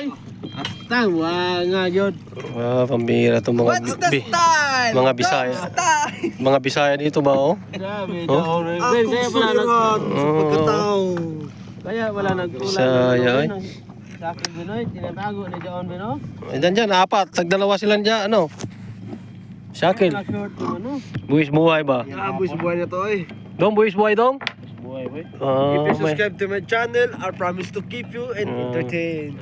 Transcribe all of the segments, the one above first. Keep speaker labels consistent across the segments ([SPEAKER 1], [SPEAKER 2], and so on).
[SPEAKER 1] Asta, nga yun.
[SPEAKER 2] Pambira itong mga mga Bisaya. Mga Bisaya dito ba, oh?
[SPEAKER 1] Grabe, daon. Kaya wala
[SPEAKER 2] Oh.
[SPEAKER 1] Kaya wala nagtulad.
[SPEAKER 2] Bisaya, eh.
[SPEAKER 1] Sa akin, Binoy, tinatago ni John, Bino.
[SPEAKER 2] Dyan, apat. Tagdalawa sila dyan, ano? Shakil.
[SPEAKER 1] Short yung ano.
[SPEAKER 2] Buwis buhay ba?
[SPEAKER 3] Buwis buhay na to eh.
[SPEAKER 2] Dong, buwis buhay dong?
[SPEAKER 1] Buhay, boy.
[SPEAKER 3] If you subscribe to my channel, I promise to keep you and entertain.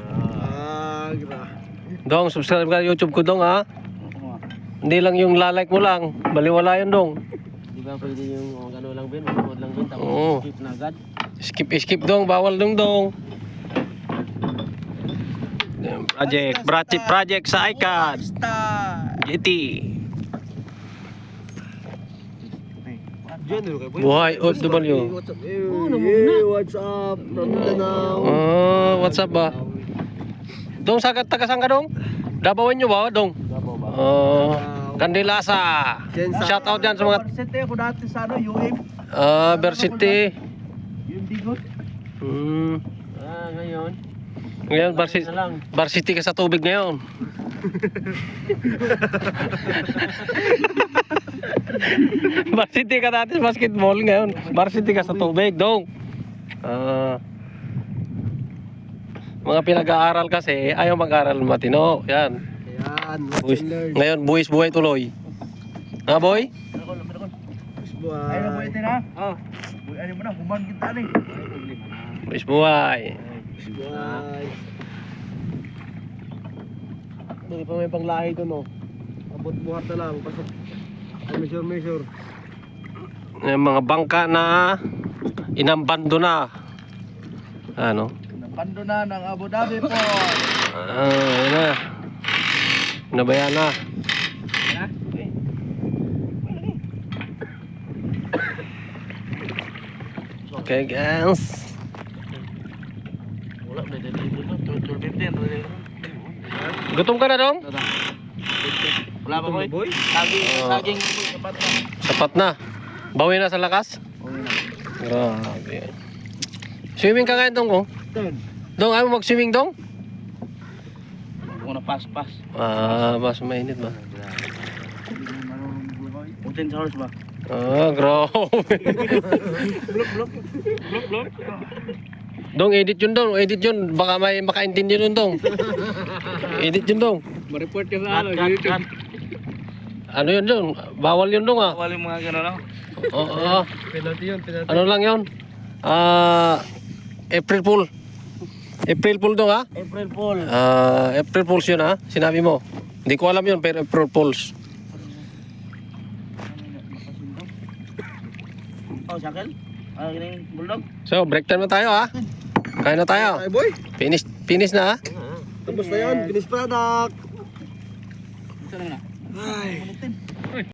[SPEAKER 2] Dong, subscribe ka YouTube ko dong, ha? Hindi lang yung lalike mo lang. Baliwala yun dong.
[SPEAKER 1] Di ba pwede yung ano lang, Ben? Manood lang, Ben.
[SPEAKER 2] Oo.
[SPEAKER 1] Tapos skip na agad.
[SPEAKER 2] Skip dong, bawal dong dong. Project sa iCAD. GT. Buhay OFW.
[SPEAKER 3] What's up from Mindanao?
[SPEAKER 2] What's up ba? Dong, taga-saan ka dong? Dabawan nyo ba, dong? Candilasa. Shout out dyan sa mga...
[SPEAKER 3] Varsity ako dati sa ano, UM.
[SPEAKER 2] Varsity.
[SPEAKER 3] UM Digot.
[SPEAKER 1] Ngayon.
[SPEAKER 2] Ngayon, Varsity ka sa tubig ngayon. Varsity ka dati sa basketball ngayon. Varsity ka sa tubig, dong. Mga pinag-aaral kasi, ayaw mag-aaral matino. Yan.
[SPEAKER 3] Ayan,
[SPEAKER 2] Ngayon, buwis buhay tuloy. Ha, boy?
[SPEAKER 3] buhay.
[SPEAKER 1] Ayun na po ito na.
[SPEAKER 3] Ano mo na, human kita ni.
[SPEAKER 2] Buwis buhay.
[SPEAKER 3] Buhay.
[SPEAKER 1] Hindi pa may panglahi doon, no?
[SPEAKER 3] Abot buhat na lang. Pasok. Measure.
[SPEAKER 2] Yung mga bangka na inambando na. Ano?
[SPEAKER 3] Bando na ng Abu Dhabi po.
[SPEAKER 2] Yun na. Nabayan na. Okay, guys.
[SPEAKER 1] Wala, may deliver na. 12:15.
[SPEAKER 2] Gutom ka na, dong?
[SPEAKER 1] Wala pa, boy? Saging, sapat na.
[SPEAKER 2] Sapat na. Bawi na sa lakas? Grabe. Swimming ka ngayon, dong, oh? Dong, ayaw mo mag-swimming, dong?
[SPEAKER 1] Huwag na pas.
[SPEAKER 2] Mas mainit ba?
[SPEAKER 1] 14 hours ba?
[SPEAKER 2] Grabe.
[SPEAKER 1] Blok.
[SPEAKER 2] Dong, edit yun, dong. Edit yun. Baka may makaintindi nun, dong. Edit yun, dong.
[SPEAKER 1] Ma-report ka sa ano, YouTube.
[SPEAKER 2] Ano yun, dong? Bawal yun, dong, ah.
[SPEAKER 1] Bawal yung mga gano'n, no?
[SPEAKER 2] Oo.
[SPEAKER 3] Penalty yun, penalty.
[SPEAKER 2] Ano lang yun? April Fool. April Fool dong, ha?
[SPEAKER 1] April Fool.
[SPEAKER 2] April Fools yun, ha? Sinabi mo. Hindi ko alam yun, pero April Fools.
[SPEAKER 1] Sakal? Gining bulldog?
[SPEAKER 2] So, break time na tayo, ha? Kain na tayo.
[SPEAKER 3] Ay boy,
[SPEAKER 2] Finish na, ha?
[SPEAKER 3] tapos na yun. Finished product.
[SPEAKER 1] Ito na.
[SPEAKER 3] Ay.